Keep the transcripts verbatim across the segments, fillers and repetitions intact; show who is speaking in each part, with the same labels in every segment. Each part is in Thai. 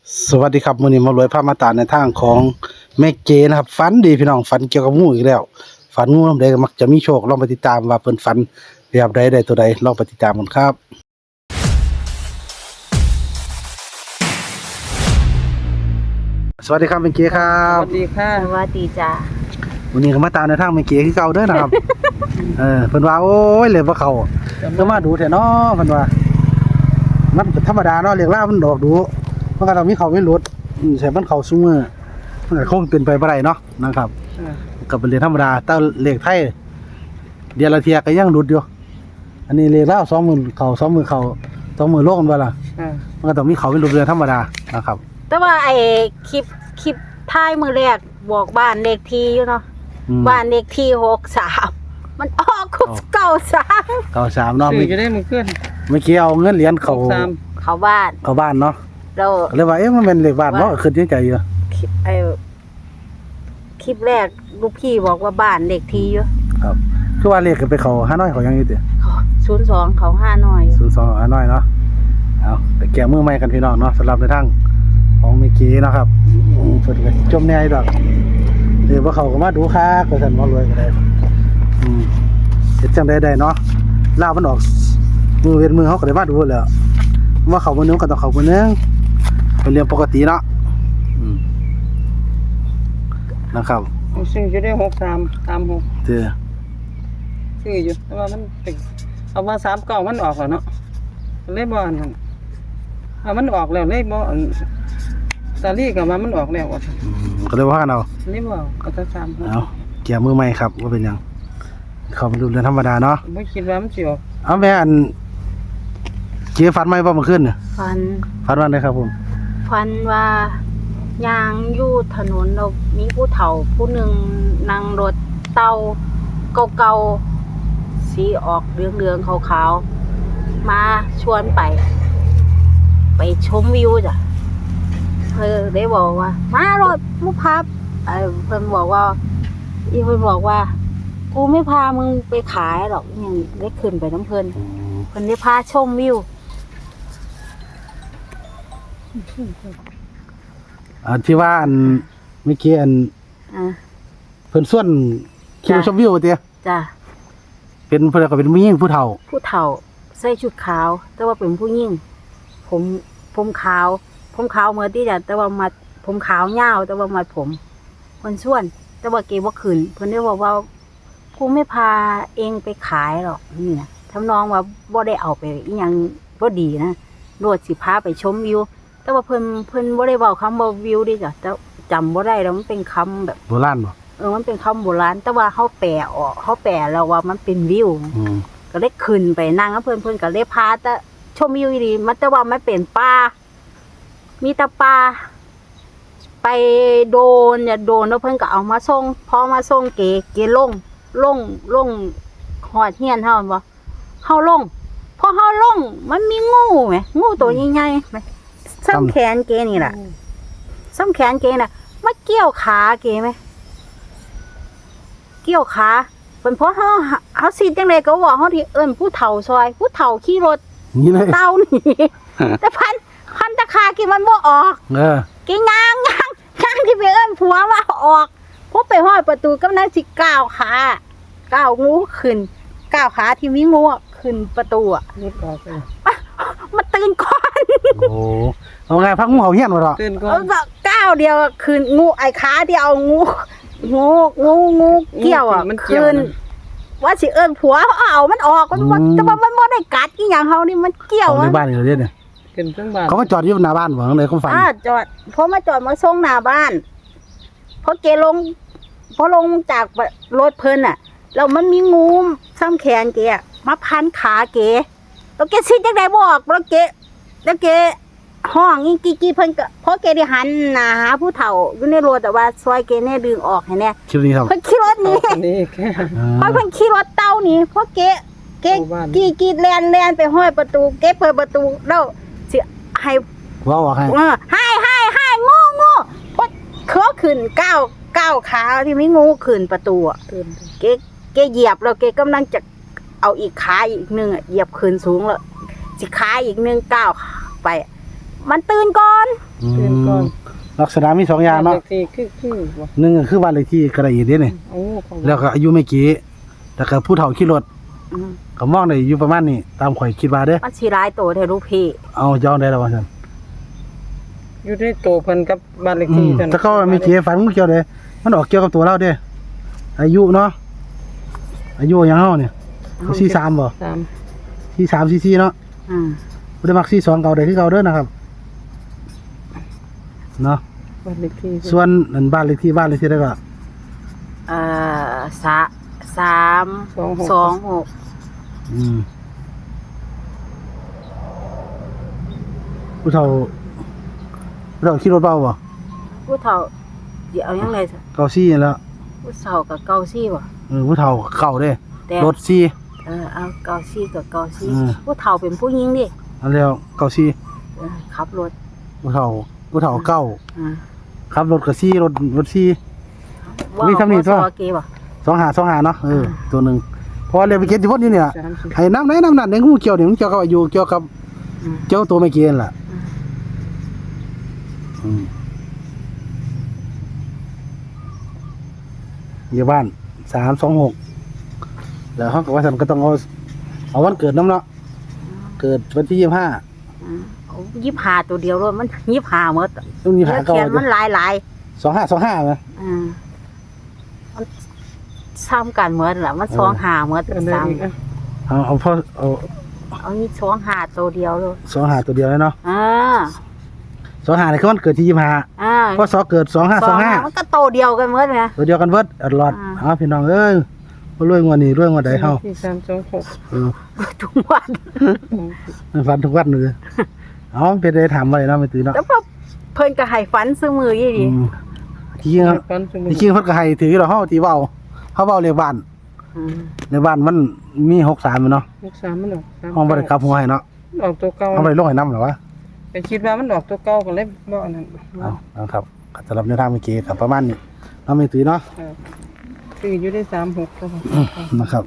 Speaker 1: สวัสดีครับมื้อนี้มารวยพามาตามในทางของแม่เจนะครับฝันดีพี่น้องฝันเกี่ยวกับงูอีกแล้วฝันงูนำใดก็มักจะมีโชคลองไปติดตามว่าเพิ่นฝันแบบใดได้ตัวใดลองไปติดตามกันครับสวัสดีครับแม่เจครั
Speaker 2: ส
Speaker 1: บ
Speaker 2: วัสดีค่ะ
Speaker 3: สวัสดีจ้า
Speaker 1: วันนี้ก็มาตามในทางแม่เจคือเก่าเด้อนะครับ เออเพิ่นว่าโอ้ยเลยบ่เข้าเพิ่นมาดูแท้เนาะเพิ่นว่ามันก็ธรรมดาเนาะเรียกลามันดอกดูมันก็ต้องมีเข้ามีหลุดอืมใช่มันเข้าซุมื้อมันก็คงเป็นไปบ่ได้เนาะนะครับ ก็เป็นเรื่องธรรมดาแต่เลขไทยเดือนละเทียก็ยังหลุดอยู่อันนี้เลขลาวสองหมื่นเข้าสองหมื่นเข้าสองหมื่นโลกมันบ่ล่ะ
Speaker 2: อ่า
Speaker 1: มันก็ต้องมีเข้าเป็นรูปเรือธรรมดานะครับ
Speaker 3: แต่ว่าไอ้คลิปคลิปท้ายมือแรกบอกบ้านเลขที่อยู่เนาะ
Speaker 1: อืม
Speaker 3: บ้านเลขที่หกสามมันออกคุกเก่าสาม
Speaker 1: เก้าสามเนาะ
Speaker 2: สื่
Speaker 1: เมื่
Speaker 2: อ
Speaker 1: อ
Speaker 2: จะได้มือเคลื่อน
Speaker 1: เมื่อกี้เอาเงินเหรียญเข้า
Speaker 2: หกสาม
Speaker 3: เขาบ้าน
Speaker 1: เข้าบ้านเนาะ
Speaker 3: เรา
Speaker 1: ก็เลยว่าเอ๊ะมันเป็นเลขบ้านเนาะขึ้นในใจอยู่
Speaker 3: คลิปไอ้คลิปแรกลูกพี่บอกว่าบ้านเลขที่อยู่
Speaker 1: ครับคือว่าเลขก็ไปเข้าห้าน้อยเขายังอยู่ติ
Speaker 3: ศูนย์สองเขาห้าหน่อย
Speaker 1: ศูนย์สองห้าน้อยเนาะเอาไปแก้มือใหม่กันพี่น้องเนาะสำหรับในทางของเมื่อกี้เนาะครับอืมเพิ่นก็จมแน่อยู่ดอกเดี๋ยวว่าเขาก็มาดูคักว่าซั่นบ่รวยก็ได้อืมเฮ็ดจังได๋ได้เนาะลาวมันออกมือเว้นมือเฮาก็ได้มาดูแหล้วว่าเขามื้อนึงก็ต้องเขามื้อนึงเป็นเรื่องปกติเนาะอืมนะครับ
Speaker 2: สื่อจะได้หกสามสามหก
Speaker 1: เด้อ
Speaker 2: สื่ออยู่แต่ว่ามันเป็นเอามาสามเก้ามันออกแล้วเนาะเลยบ่อันนั้นเอามันออกแล้วเลยบ่อันตาลี่กับมามันออกแล้วอ่ะ
Speaker 1: อืมก็เลยว่ากันเอา
Speaker 2: เลยบ่เอาแต่สามหก
Speaker 1: เอาเกี่ยมือใหม่ครับว่าเป็นหยังเขาเป็นรูปเรื่องธรรมดาเนาะ
Speaker 2: ไม่คิดว่ามันสิออก
Speaker 1: เอาแม่อันเกี่ยฟันไหมบ่เมื่อคืนน่ะ
Speaker 3: ฟัน
Speaker 1: ฟันวันไหนครับผม
Speaker 3: ฟันว่ายางอยู่ถนนเรามีผู้เฒ่าผู้หนึ่งนั่งรถเต้าเก่าๆสีออกเหลืองๆขาวๆมาชวนไป ไปชมวิวจ้ะเออได้บอกว่า มารถมุพับเออเพิ่นบอกว่าอีเพิ่นบอกว่า กูไม่พามึงไปขายหรอกอหยังได้ขึ้นไปน้ำเพิ่นเพิ่นได้พาชมวิว
Speaker 1: อันที่ว่าอันเมื่อกี้อัน
Speaker 3: อ่ะ
Speaker 1: เพิ่นส่วนคิว
Speaker 3: จ้ะ
Speaker 1: ชมวิวเตี้ย
Speaker 3: จ้ะ
Speaker 1: เป็นเพิ่นก็เป็นผู้หญิงผู้เฒ่า
Speaker 3: ผู้เฒ่าใส่ชุดขาว แต่ว่าเป็นผู้หญิงผมผมขาว ผมขาวเหมือนที่จะแต่ว่ามัดผมขาวยาวแต่ว่ามัดผมเพิ่นส่วน แต่ว่าเกบ่ขึ้นเพิ่นได้บอกว่ากูไม่พาเองไปขายหรอกนี่นะทำนองว่าบ่ได้เอาไปอีหยังบ่ดีนะโลดสิพาไปชมวิว แต่ว่าเพิ่นเพิ่นบ่ได้เว้าคำว่าวิวดิจ้ะแต่จำบ่ได้แล้วมันเป็นคำแบบ
Speaker 1: โบราณบ่
Speaker 3: เออมันเป็นคำโบราณแต่ว่าเฮาแปลออกเฮาแปลแล้วว่ามันเป็นวิว
Speaker 1: อืม
Speaker 3: ก็เลยขึ้นไปนั่งกับเพื่อนเพื่อนก็เลยพาแต่ชมวิวดีมันแต่ว่ามันเป็นป่ามีแต่ป่าไปโดนเนี่ยโดนแล้วเพื่อนก็เอามาส่งพอมาส่งเก๋เก๋ลงลงลงหอดเฮียนเฮาบ่เฮาลงพอเฮาลงมันมีงูไหมงูตัวใหญ่ๆไหมซ้ำแขนเก๋นี่แหละซ้ำแขนเก๋น่ะมาเกี่ยวขาเก๋ไหมเกี่ยวขาเป็นเพราะเขาเขาสิจังเลยก็ว่าเขาที่เอิ้นผู้เฒ่าซอย ผู้เฒ่าขี่รถ
Speaker 1: นี่เลย
Speaker 3: เต้านี่ แต่พันพันตะคากี่มันบ่ออก
Speaker 1: เออ
Speaker 3: กี่งางงางงางที่ไปเอิ้นผัวว่าออกพวกไปห้อยประตูกำลังสิก้าวขาก้าวงูขึ้นก้าวขาที่มีงูอะขึ้นประตูอ่ะ
Speaker 2: นิดออกเลย
Speaker 3: มาตื่นก่อน
Speaker 1: โอ้โหเอาไงพักงูเห่าเฮียนบ่ดอก
Speaker 2: ตื่นก่อ
Speaker 3: เอน อก้าวเดียวอะขึ้นงูไอ้ขาเดียวงูงูงูงูเกี่ยวอ่ะ
Speaker 2: มันเกี่ยว
Speaker 3: ขึ้น
Speaker 2: นะ
Speaker 3: ว่าสิเอิ้นผัวเอามันออกมันบ่แต่ว่ามันบ่ได้กัดอีหยังเฮานี่มันเกี่ยว
Speaker 1: เอาใน
Speaker 3: อะ
Speaker 1: บ้านนี่เลยเนี่ย
Speaker 2: ขึ้นเครื่องบ้าน
Speaker 1: เขามาจอดอยู่หน้าบ้านบ่ข้างในเขาฝัน
Speaker 3: อ่าจอดพอมาจอดมาส่งหน้าบ้านพอเกลงพอลงจากรถเพิ่นน่ะแล้วมันมีงูซ้ำแขนเกอะมาพันขาเกแล้วเกสิจังได๋บ่ออกแล้วเกแล้วเกห้องอีกี่กี่เพิ่นก็พอเกได้หันหน้าหาผู้เฒ่าอยู่ในรถแต่ว่าซอยเกแน่ดึงออกให้แน่
Speaker 1: คลิปนี้ครับ
Speaker 3: เพิ่นขี่รถหนี
Speaker 2: อันนี้แค่
Speaker 3: เพราะเพิ่นขี่รถเต้าหนีเพราะเกเก
Speaker 2: เข้าบ้าน
Speaker 3: กี่กี่แลนแลนไปห้อยประตูเกเปิดประตูแล้วสิให้
Speaker 1: ว่าออกให้
Speaker 3: เออให้ให้ให้งูงูพดเขาขึ้นก้าวก้าวขาที่ไม่งูขึ้นประตูอ่ะ
Speaker 2: ตื่น
Speaker 3: เกเกเหยียบแล้วเกกำลังจะเอาอีกขาอีกหนึ่งอ่ะเหยียบขึ้นสูงแล้วสิขาอีกหนึ่งก้าวไป มันตื่นก่อน
Speaker 1: อืมลักษณะมีสองอย่างเนาะ
Speaker 2: บ้เลขที่คือคือบ่
Speaker 1: หนึ่งก็คือบ้านเลขที่กระไรเด้นี่
Speaker 2: เอาเขา
Speaker 1: แล้วก็อายุไม่กี่แล้วก็ผู้เฒ่าขี่รถ
Speaker 3: อืม
Speaker 1: ก็มองได้อยู่ประมาณนี้ตามข่อยคิดว่าเด้อ
Speaker 3: มันสิหลายโตแท้ลูกพี่
Speaker 1: เอาย้อนได้แล้วว่าซั่น
Speaker 2: อยู่ในโตเพิ่นกับบ้านเลข
Speaker 1: อื
Speaker 2: ที่
Speaker 1: ม
Speaker 2: เท่านั้น
Speaker 1: ถ้าเขาไม่กี่ฝันมันเกี่ยวเด้มันออกเกี่ยวกับตัวเราเด้อายุเนาะอายุหยังเฮาเนี่ยสี่สิบสามบ่
Speaker 2: สาม
Speaker 1: สี่สิบสาม สี่สิบสี่เนาะ
Speaker 3: อืม
Speaker 1: บ่ได้มักสี่สิบสองเก่าได้คือเก่าเด้อนะครับเนาะ
Speaker 2: บ้านเลขที่
Speaker 1: ส่วนอันบ้านเลขที่บ้านเลขที่ได้ก็
Speaker 3: เอ่อสะสามสองหก
Speaker 1: อืมผู้เฒ่าผู้เฒ่าขี่รถเบาบ่
Speaker 3: ผู้เฒ่าเดี๋ยวเอายังไง
Speaker 1: เก่าซี่นั่นแหล้ว
Speaker 3: ผู้เฒ่ากับเกาซี่บ่
Speaker 1: เออผู้เฒ่าเก่าเด้
Speaker 3: แต่
Speaker 1: รถซี่
Speaker 3: เออเอาเกาซี่กับเกาซี่
Speaker 1: อืม
Speaker 3: ผู้เฒ่าเป็นผู้หญิงดิ
Speaker 1: อันแล้วเก่าซี่
Speaker 3: เออขับรถ
Speaker 1: ผู้เฒ่าผู้เฒ่าเก่า
Speaker 3: อ่า
Speaker 1: ขับรถก็ซี่รถรถซี่
Speaker 3: ว่า
Speaker 1: มี
Speaker 3: มี
Speaker 1: ทำนี่ตัว
Speaker 3: เกบ่
Speaker 1: สองหาสองหาเนาะเออตัวหนึงเพราะว่าเรียนไปเก็บที่พ้นนี่เนี่ย
Speaker 2: สามสิบ
Speaker 1: ให้น้ำไหนน้ำนั่นในงูเกี่ยวนี่มันเกี่ยวกับอายุเกี่ยวกับ
Speaker 3: อืม
Speaker 1: เจ้าตัวไม่เกี่ยนล่ะอืมอยู่บ้านสามสองหกแล้วเขาก็ว่าฉันก็ต้องเอาเอาวันเกิดน้ำเนาะเกิดวันที่ยี่สิบห้า
Speaker 3: อืมเอายิบหาตัวเดียวเลยมันยิบหาหมด
Speaker 1: ต้องมีหา
Speaker 3: แล้ว
Speaker 1: เก่า
Speaker 3: เขียนมันหลายหลาย
Speaker 1: สองห้าสองห้าไหม
Speaker 3: ๆอืมมันซ้ำกันหมดล่ะมันสองหาหมด
Speaker 2: อันใด
Speaker 3: ซ้
Speaker 2: อีกอ่ะ
Speaker 1: เอาเอาพ่อเอา
Speaker 3: ำเอานี่สองหาตัวเดียวเลย
Speaker 1: สองหาตัวเดียวเลยเนาะ
Speaker 3: อ่า
Speaker 1: สองหาเนี่ยคือวันเกิดที่ยี่สิบห้า
Speaker 3: อ่า
Speaker 1: เพราะสอเกิดสองห้าสองห้า
Speaker 3: มันก็โตเดียวกันหมดไง
Speaker 1: ตัวเดียวกันเบิดอัดหลอด
Speaker 3: อ่า
Speaker 1: เอาพี่น้องเอ้ยบ่รวยงวดนี้รวยงวดใดเฮา
Speaker 2: ที่สามสองหก
Speaker 1: เออ
Speaker 3: ทุกวัน
Speaker 1: มันฝันทุกวันเลยเอามันเป็นได้ถามไว้เนาะไม่ตื่นเนาะ
Speaker 3: แล้วพอเพิ่นก็ให้ฝันซื้อมือยี่
Speaker 1: อื
Speaker 3: ดี
Speaker 1: มที่จริงครับ
Speaker 2: ปันสมุ
Speaker 1: ที่จริงเพิ่นก็ให้ถือเราเฮาที่เว้าเฮาเว้าเลขบ้าน
Speaker 3: อืม
Speaker 1: ในบ้านมันมีหกสามอยู่เนาะ
Speaker 2: หกสามมันออกสาม
Speaker 1: ห้องบ่ได้กลับหัวให้เนาะ
Speaker 2: ออกตัวเก่า
Speaker 1: เอาบ่ได้ลงให้นำหรอวะ
Speaker 2: ไปคิดว่ามันออกตัวเก่าก็เลยบ่อันนั้น
Speaker 1: เอาเอาครับก็สำหรับแนวทางเมื่อกี้ครับประมาณนี้เนาะไม่ตื่นเนาะ
Speaker 2: เออคืออยู่ได้สามหกก็พอ
Speaker 1: นะครับ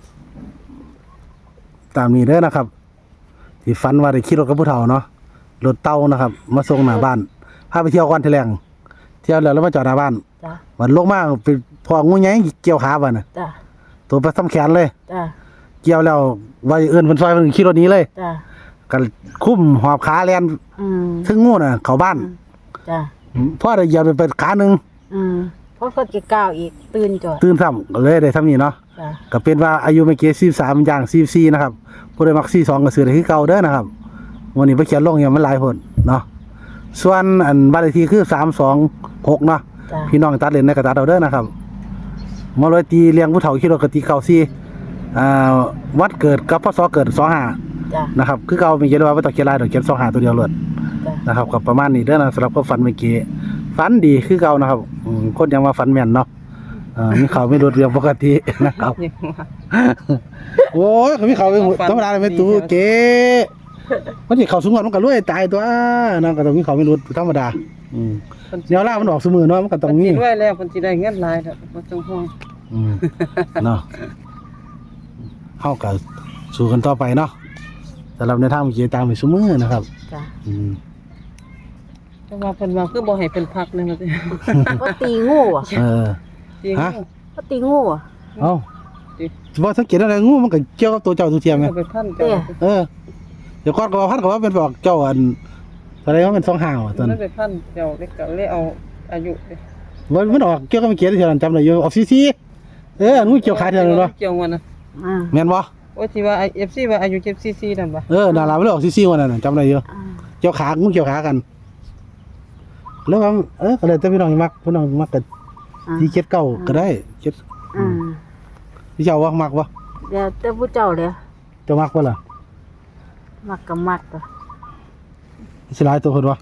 Speaker 1: ตามนี้เด้อนะครับ ที่ฝันว่าได้ขี่รถกับผู้เฒ่าเนาะรถเต้านะครับ มาส่งหน้าบ้านพาไปเที่ยวก่อนทีแรงเที่ยวแล้วแล้วมาจอดหน้าบ้าน
Speaker 3: จ้ะ
Speaker 1: วันลงมาไปพองูใหญ่เกี่ยวขาบ่น่ะ
Speaker 3: จ้ะ
Speaker 1: ตัวไปซ้ำแขนเลย
Speaker 3: จ้ะ
Speaker 1: เกี่ยวแล้วว่าเอิ้นเพิ่นซอยเพิ่นขี่รถหนี้เลย
Speaker 3: จ้ะ
Speaker 1: ก็คุ้มหอบขาแล่น
Speaker 3: อืม
Speaker 1: ถึงงูน่ะเข้าบ้าน
Speaker 3: จ้ะ
Speaker 1: พอได้เหยียบไปขาหนึง
Speaker 3: อืมเพราะเพิ่นจะก้าวอีกตื่นจอด
Speaker 1: ตื่นซ้ำก็เลยได้ซ้ำนี้เนาะ
Speaker 3: จ้ะ
Speaker 1: ก็เป็นว่าอายุไม่เกินสี่สิบสามอย่างสี่สิบสี่นะครับผู้ใดมักสี่สิบสองก็ซื้อได้คือเก่าเด้อนะครับวันนี้ไปเขียนลงอย่างมันหลายคนเนาะส่วนอันบ้านเลขที่คือสามสองหกเนาะ
Speaker 3: จ้ะ
Speaker 1: พี่น้องตัดเล่นในกระตัดเอาเด้อนะครับมาเลยตีเลี้ยงผู้เฒ่าขี่รถกตีเก่าซี่อ่าวัดเกิดกับพศเกิดสองห้า
Speaker 3: จ้ะ
Speaker 1: นะครับคือเก่ามีเขียนว่าไม่ต้องเขียนลายดอกเขียนสองห้าตัวเดียวเลย
Speaker 3: จ้ะ
Speaker 1: นะครับกับประมาณนี้เด้อนะสำหรับความฝันเมื่อกี้ฝันดีคือเก่านะครับอืมคนยังมาฝันแม่นเนาะอ่ามีข่าวไม่รวดเรียงปกตินะครับ
Speaker 2: ยังว่า
Speaker 1: โอ้ยเขามีข่าวไปหมดธรรมดาเลยไม่ตู้เก๋มันสิเข้าสูงกว่ามันก็รวยตายตัวนั่นก็ต้องมีข่าวไม่รวดธรรมดาอืมแนวล่ามันออกเสมอเนาะมันก็ต้องมี
Speaker 2: เพิ่นสิรวยแล้วเพิ่นสิได้เงินหลายแล้วบ่ต้องห่วง
Speaker 1: อืมเนาะเฮาก็สู้กันต่อไปเนาะสำหรับในทางเมื่อกี้ตามไปซุมื้อนะครับ
Speaker 3: จ้ะ
Speaker 1: อืม
Speaker 2: แต่ว่าเพิ่นว่าคือบ่ให้เป็นพักนึงว่าสิ
Speaker 3: ก็ตีงูอ่ะ
Speaker 1: เออ
Speaker 2: จริง
Speaker 1: ฮะ
Speaker 3: ก็ตีงูอ่ะ
Speaker 1: เอ้าบ่สังเกตอะไรงูมันก็เกี่ยวกับตัวเจ้าตัวเทียมไง
Speaker 2: เอาไปพัน
Speaker 3: เด้
Speaker 2: เจ้า
Speaker 1: เออเดี๋ยวก่อนก็ว่าพันก็ว่าเป็นบอกเจ้าอันอะไรว่าเป็นสองห่าวอะตอน
Speaker 2: มันไปพันเจ้าเด็กก็เลยเอาอายุเด้
Speaker 1: มันมันออกเกี่ยวกับเมื่อกี้ที่เราจำได้อยู่ออกซีซีเอองูเกี่ยวขาเทียมเลยเนาะ
Speaker 2: เกี่ยววันน่ะ
Speaker 3: อ่า
Speaker 1: แม่นบ่
Speaker 2: โอ้ยที่ว่า เอฟ ซี ว่าอายุเจ็ดซีซีนั่นบ่
Speaker 1: เออดาราไม่ได้ออกซีซีวันนั้นนะจำได้อยู่
Speaker 3: อ่า
Speaker 1: เกี่ยวขางูเกี่ยวขากัน แล้วว่าเออก็เลยแต่พี่น้องมักพี่น้องมักกัน
Speaker 3: อ่า
Speaker 1: ที่เจ็ดเก้าก็ได้เจ็ด
Speaker 3: อืม
Speaker 1: พี่เจ้าว่ามักวะ
Speaker 3: เดี๋ยวแต่ผู้เจ้าเลย
Speaker 1: เจ้ามักวะล่ะ
Speaker 3: มักก็มักตัว
Speaker 1: สิหลายตัวคนวะ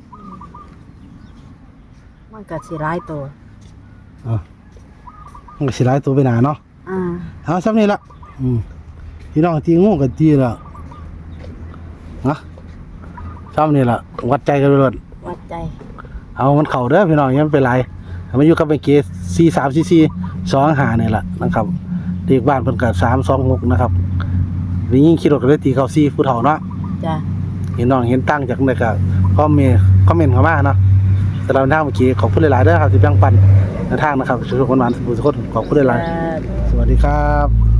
Speaker 3: มันก็สิหลายตัว
Speaker 1: อ่ามันก็สิหลายตัวไปหนาเนาะ
Speaker 3: อ่า
Speaker 1: เอาซ้ำนี่ละอืมพี่น้องตีงูกันตีละนะซ้ำนี่ละวัดใจกันไปเลย
Speaker 3: วัดใจ
Speaker 1: เอามันเข่าเด้อพี่น้องอยังเป็นไรมันอยู่กับไปเกสสี่สามสี่สี่สองหาเนี่ยแหละนะครับเด็กบ้านเพิ่นกับสามสองหกนะครับวิ่งยิงขี่รถกันเลยตีเขาสี่ผู้เฒ่าเนาะ
Speaker 3: จ้ะ
Speaker 1: เห็นน้องเห็นตั้งจากไหนก็คอมเมนต์คอมเมนต์เข้ามาเนาะแสำหรับทางเมื่อกี้ขอบคุณหลายๆเด้อครับที่แบ่งปันในทางนะครับทุกคนหวานสุขทุกคนขอบคุณหลายๆสวัสดีครับ